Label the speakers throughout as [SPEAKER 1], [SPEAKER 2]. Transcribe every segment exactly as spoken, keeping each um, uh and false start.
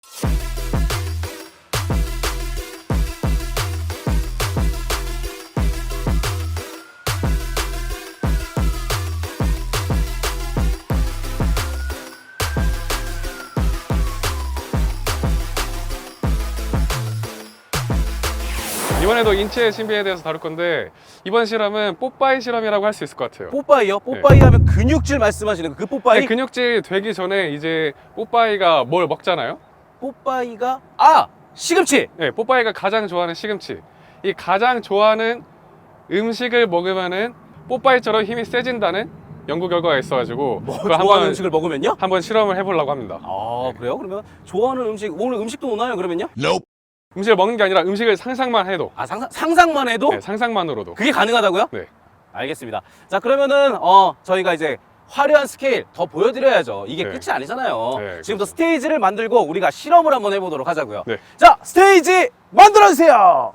[SPEAKER 1] 이번에도 인체 신비에 대해서 다룰 건데 이번 실험은 뽀빠이 실험이라고 할 수 있을 것 같아요.
[SPEAKER 2] 뽀빠이요? 뽀빠이
[SPEAKER 1] 네.
[SPEAKER 2] 하면 근육질 말씀하시는 그 뽀빠이?
[SPEAKER 1] 네, 근육질 되기 전에 이제 뽀빠이가 뭘 먹잖아요.
[SPEAKER 2] 뽀빠이가 아! 시금치!
[SPEAKER 1] 네, 뽀빠이가 가장 좋아하는 시금치. 이 가장 좋아하는 음식을 먹으면은 뽀빠이처럼 힘이 세진다는 연구 결과가 있어가지고
[SPEAKER 2] 뭐
[SPEAKER 1] 그걸
[SPEAKER 2] 좋아하는
[SPEAKER 1] 한번
[SPEAKER 2] 음식을 먹으면요?
[SPEAKER 1] 한번 실험을 해보려고 합니다.
[SPEAKER 2] 아 그래요? 그러면 좋아하는 음식 오늘 음식도 오나요 그러면요?
[SPEAKER 1] 음식을 먹는 게 아니라 음식을 상상만 해도
[SPEAKER 2] 아 상상, 상상만 해도?
[SPEAKER 1] 네, 상상만으로도
[SPEAKER 2] 그게 가능하다고요?
[SPEAKER 1] 네.
[SPEAKER 2] 알겠습니다. 자 그러면은 어 저희가 이제 화려한 스케일 더 보여드려야죠. 이게
[SPEAKER 1] 네.
[SPEAKER 2] 끝이 아니잖아요.
[SPEAKER 1] 네,
[SPEAKER 2] 지금부터
[SPEAKER 1] 그렇죠.
[SPEAKER 2] 스테이지를 만들고 우리가 실험을 한번 해보도록 하자고요.
[SPEAKER 1] 네.
[SPEAKER 2] 자 스테이지 만들어주세요.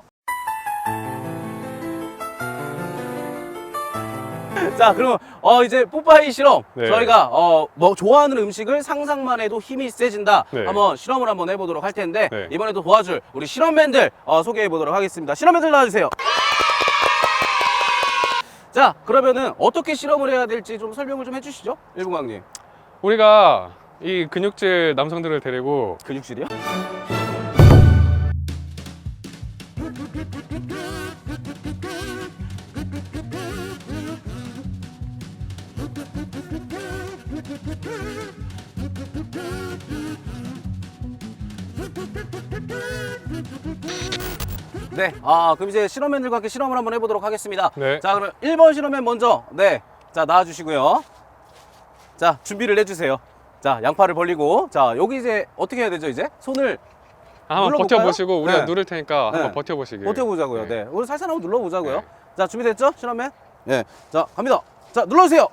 [SPEAKER 2] 자 그럼 어 이제 뽀빠이 실험
[SPEAKER 1] 네.
[SPEAKER 2] 저희가 어 뭐 좋아하는 음식을 상상만 해도 힘이 세진다.
[SPEAKER 1] 네.
[SPEAKER 2] 한번 실험을 한번 해보도록 할 텐데
[SPEAKER 1] 네.
[SPEAKER 2] 이번에도 도와줄 우리 실험맨들 어, 소개해 보도록 하겠습니다. 실험맨들 나와주세요. 자 그러면은 어떻게 실험을 해야 될지 좀 설명을 좀 해주시죠, 일분광님.
[SPEAKER 1] 우리가 이 근육질 남성들을 데리고
[SPEAKER 2] 근육질이요? 네, 아 그럼 이제 실험맨들과 함께 실험을 한번 해보도록 하겠습니다.
[SPEAKER 1] 네.
[SPEAKER 2] 자 그럼 일 번 실험맨 먼저 네, 자 나와주시고요. 자 준비를 해주세요. 자 양팔을 벌리고 자 여기 이제 어떻게 해야 되죠 이제? 손을
[SPEAKER 1] 한번
[SPEAKER 2] 눌러볼까요?
[SPEAKER 1] 버텨보시고 우리가
[SPEAKER 2] 네.
[SPEAKER 1] 누를 테니까
[SPEAKER 2] 네.
[SPEAKER 1] 한번 버텨보시길.
[SPEAKER 2] 버텨보자고요. 네.
[SPEAKER 1] 네.
[SPEAKER 2] 우리 살살 한번 눌러보자고요.
[SPEAKER 1] 네.
[SPEAKER 2] 자, 준비됐죠? 실험맨? 네. 자, 갑니다. 자, 눌러주세요.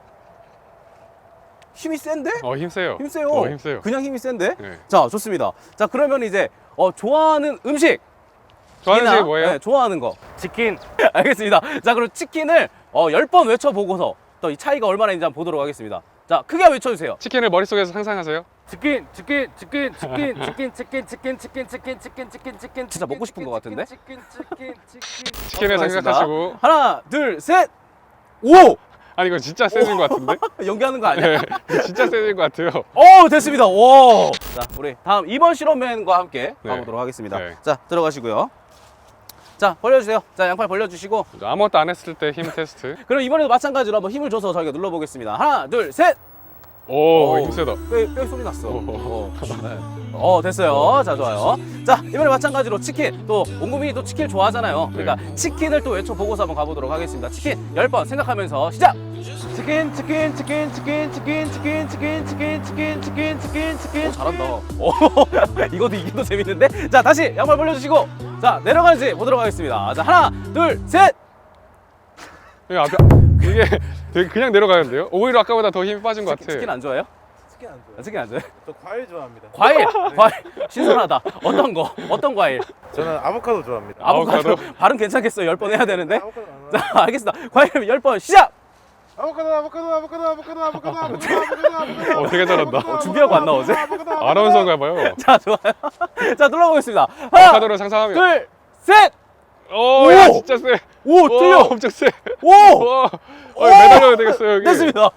[SPEAKER 2] 힘이 센데?
[SPEAKER 1] 어 힘세요.
[SPEAKER 2] 힘 세요.
[SPEAKER 1] 어 힘세요.
[SPEAKER 2] 그냥 힘이 센데?
[SPEAKER 1] 네.
[SPEAKER 2] 자, 좋습니다. 자, 그러면 이제 어, 좋아하는 음식.
[SPEAKER 1] 좋아하는
[SPEAKER 2] 이나,
[SPEAKER 1] 음식이 뭐예요?
[SPEAKER 2] 네, 좋아하는 거. 치킨. 알겠습니다. 자, 그럼 치킨을 어, 열 번 외쳐보고서 또 이 차이가 얼마나 있는지 한번 보도록 하겠습니다. 자, 크게 외쳐주세요.
[SPEAKER 1] 치킨을 머릿속에서 상상하세요.
[SPEAKER 2] 치킨, 치킨, 치킨, 치킨, 치킨, 치킨, 치킨, 치킨, 치킨, 치킨, 치킨, 치킨. 진짜 먹고 싶은 것 같은데? 치킨, 치킨, 치킨.
[SPEAKER 1] 치킨을 생각하시고.
[SPEAKER 2] 하나, 둘, 셋. 오!
[SPEAKER 1] 아니 이거 진짜 세진 것 같은데?
[SPEAKER 2] 연기하는 거 아니야?
[SPEAKER 1] 네, 이거 진짜 세진 것 같아요.
[SPEAKER 2] 오, 됐습니다. 오. 자, 우리 다음 이 번 실험맨과 함께
[SPEAKER 1] 네.
[SPEAKER 2] 가보도록 하겠습니다.
[SPEAKER 1] 네.
[SPEAKER 2] 자, 들어가시고요. 자, 벌려주세요. 자, 양팔 벌려주시고.
[SPEAKER 1] 아무것도 안 했을 때 힘 테스트.
[SPEAKER 2] 그럼 이번에도 마찬가지로 한번 힘을 줘서 저희가 눌러보겠습니다. 하나, 둘, 셋.
[SPEAKER 1] 오,
[SPEAKER 2] 오.
[SPEAKER 1] 힘세다.
[SPEAKER 2] 뼈, 뼈 소리 났어.
[SPEAKER 1] 오.
[SPEAKER 2] 어, 네. 어, 됐어요. 자, 좋아요. 자, 이번에 마찬가지로 치킨. 또 온 국민이 또 치킨 좋아하잖아요. 그러니까 치킨을 또 외쳐보고서 한번 가보도록 하겠습니다. 치킨 열 번 생각하면서 시작. 치킨, 치킨, 치킨, 치킨, 치킨, 치킨, 치킨, 치킨, 치킨, 치킨, 치킨, 치킨. 오, 잘한다. 오, 이것도 이기도 재밌는데? 자, 다시 양말 벌려주시고. 자, 내려가는지 보도록 하겠습니다. 자, 하나, 둘, 셋.
[SPEAKER 1] 이게 앞에 이게 되게 그냥 내려가는데요? 오히려 아까보다 더 힘이 빠진 것 같아.
[SPEAKER 2] 치킨 안 좋아해요?
[SPEAKER 3] 치킨 안 좋아해요.
[SPEAKER 2] 아, 치킨 안 좋아해요?
[SPEAKER 3] 저 과일 좋아합니다.
[SPEAKER 2] 과일, 과일. 신선하다. 어떤 거? 어떤 과일?
[SPEAKER 3] 저는 아보카도 좋아합니다.
[SPEAKER 2] 아보카도.
[SPEAKER 1] 아보카도?
[SPEAKER 2] 발음 괜찮겠어요? 열 번 해야 되는데?
[SPEAKER 3] 아보카도 안
[SPEAKER 2] 자, 알겠습니다. 과일 열 번 시작!
[SPEAKER 3] 아보카도 아보카도 아보카도 아보카도 아보카도 아보카도 아보카도
[SPEAKER 1] 어, 되게 잘한다.
[SPEAKER 3] 아보카도,
[SPEAKER 2] 준비하고 안 나오지?
[SPEAKER 3] 아보카도, 아보카도,
[SPEAKER 1] 아나운서인가 봐요.
[SPEAKER 2] 자, 좋아요. 자, 눌러보겠습니다. 하나,
[SPEAKER 1] 아보카도를 상상하면.
[SPEAKER 2] 둘, 셋!
[SPEAKER 1] 오, 야
[SPEAKER 2] 오!
[SPEAKER 1] 진짜 세.
[SPEAKER 2] 오,
[SPEAKER 1] 와,
[SPEAKER 2] 틀려!
[SPEAKER 1] 엄청 세.
[SPEAKER 2] 오!
[SPEAKER 1] 와, 어, 매달려야 되겠어요 여기.
[SPEAKER 2] 됐습니다.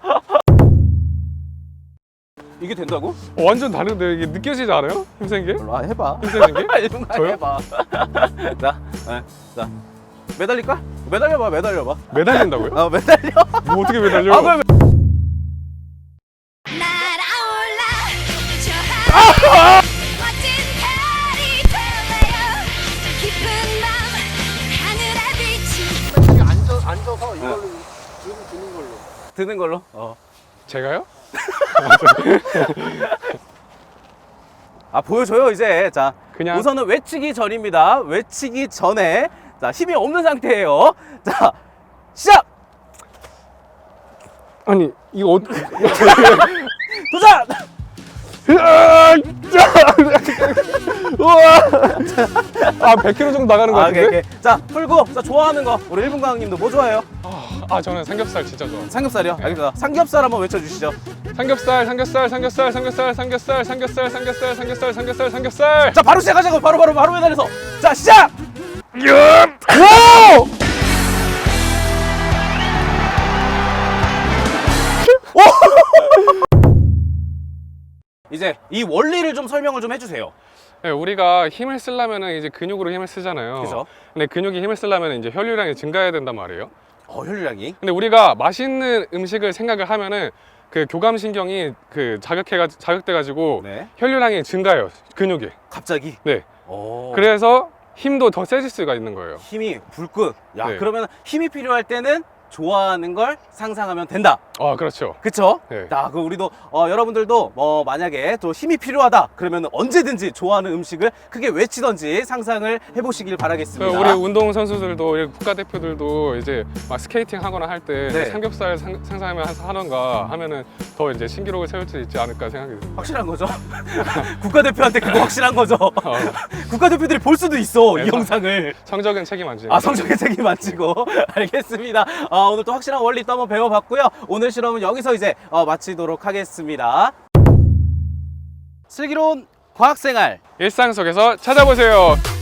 [SPEAKER 2] 이게 된다고?
[SPEAKER 1] 어, 완전 다른데 이게 느껴지지 않아요? 힘센 게?
[SPEAKER 2] 아, 해봐.
[SPEAKER 1] 힘세진 게?
[SPEAKER 2] 일분 간
[SPEAKER 1] 저요?
[SPEAKER 2] 해봐. 자, 네, 자. 매달릴까? 매달려봐, 매달려봐.
[SPEAKER 1] 매달린다고요?
[SPEAKER 2] 아, 매달려?
[SPEAKER 1] 뭐 어떻게 매달려?
[SPEAKER 2] 아, 그럼
[SPEAKER 4] 날아올라 저 하늘 멋진 별이 될래요 깊은 밤 하늘에 비친
[SPEAKER 3] 앉아, 앉아서 이걸로 들고 드는 걸로.
[SPEAKER 2] 드는 걸로. 어.
[SPEAKER 1] 제가요?
[SPEAKER 2] 아, 보여줘요, 이제. 자,
[SPEAKER 1] 그냥-
[SPEAKER 2] 우선은 외치기 전입니다. 외치기 전에. 자, 힘이 없는 상태예요. 자, 시작!
[SPEAKER 1] 아니 이거 어...
[SPEAKER 2] 도전!
[SPEAKER 1] 우와! 아 백 킬로그램 정도 나가는 것
[SPEAKER 2] 아,
[SPEAKER 1] 같은데?
[SPEAKER 2] 오케이, 오케이. 자, 풀고. 자, 좋아하는 거. 우리 일분강님도 뭐 좋아해요?
[SPEAKER 1] 아 저는 삼겹살 진짜 좋아.
[SPEAKER 2] 삼겹살이요? 알겠습니다. 삼겹살 한번 외쳐주시죠.
[SPEAKER 1] 삼겹살, 삼겹살, 삼겹살, 삼겹살, 삼겹살, 삼겹살, 삼겹살, 삼겹살, 삼겹살, 삼겹살.
[SPEAKER 2] 자, 바로 시작하자고. 바로 바로 바로 매달려서. 자, 시작. 오! 이제 이 원리를 좀 설명을 좀 해주세요.
[SPEAKER 1] 네, 우리가 힘을 쓰려면은 이제 근육으로 힘을 쓰잖아요.
[SPEAKER 2] 그죠.
[SPEAKER 1] 근데 근육이 힘을 쓰려면 이제 혈류량이 증가해야 된단 말이에요.
[SPEAKER 2] 어, 혈류량이.
[SPEAKER 1] 근데 우리가 맛있는 음식을 생각을 하면은 그 교감신경이 그 자극해가 자극돼가지고
[SPEAKER 2] 네.
[SPEAKER 1] 혈류량이 증가해요. 근육이.
[SPEAKER 2] 갑자기.
[SPEAKER 1] 네.
[SPEAKER 2] 오.
[SPEAKER 1] 그래서 힘도 더 세질 수가 있는 거예요.
[SPEAKER 2] 힘이 불끈. 야,
[SPEAKER 1] 네.
[SPEAKER 2] 그러면 힘이 필요할 때는 좋아하는 걸 상상하면 된다.
[SPEAKER 1] 아, 그렇죠.
[SPEAKER 2] 그쵸?
[SPEAKER 1] 네.
[SPEAKER 2] 자, 그 우리도 어, 여러분들도 어, 만약에 또 힘이 필요하다 그러면 언제든지 좋아하는 음식을 크게 외치던지 상상을 해보시길 바라겠습니다.
[SPEAKER 1] 우리 운동 선수들도 우리 국가대표들도 이제 막 스케이팅 하거나 할 때
[SPEAKER 2] 네.
[SPEAKER 1] 삼겹살 상, 상상하면서 하던가 하면은 더 이제 신기록을 세울 수 있지 않을까 생각이 듭니다.
[SPEAKER 2] 확실한 거죠? 국가대표한테 그거 확실한 거죠?
[SPEAKER 1] 어,
[SPEAKER 2] 국가대표들이 볼 수도 있어,
[SPEAKER 1] 네,
[SPEAKER 2] 이 영상을.
[SPEAKER 1] 성적은 책임 안 지니까.
[SPEAKER 2] 아, 성적의 책임 안 지고. 알겠습니다. 아, 오늘 또 확실한 원리 또 한번 배워봤고요. 오늘 실험은 여기서 이제 어, 마치도록 하겠습니다. 슬기로운 과학생활.
[SPEAKER 1] 일상 속에서 찾아보세요.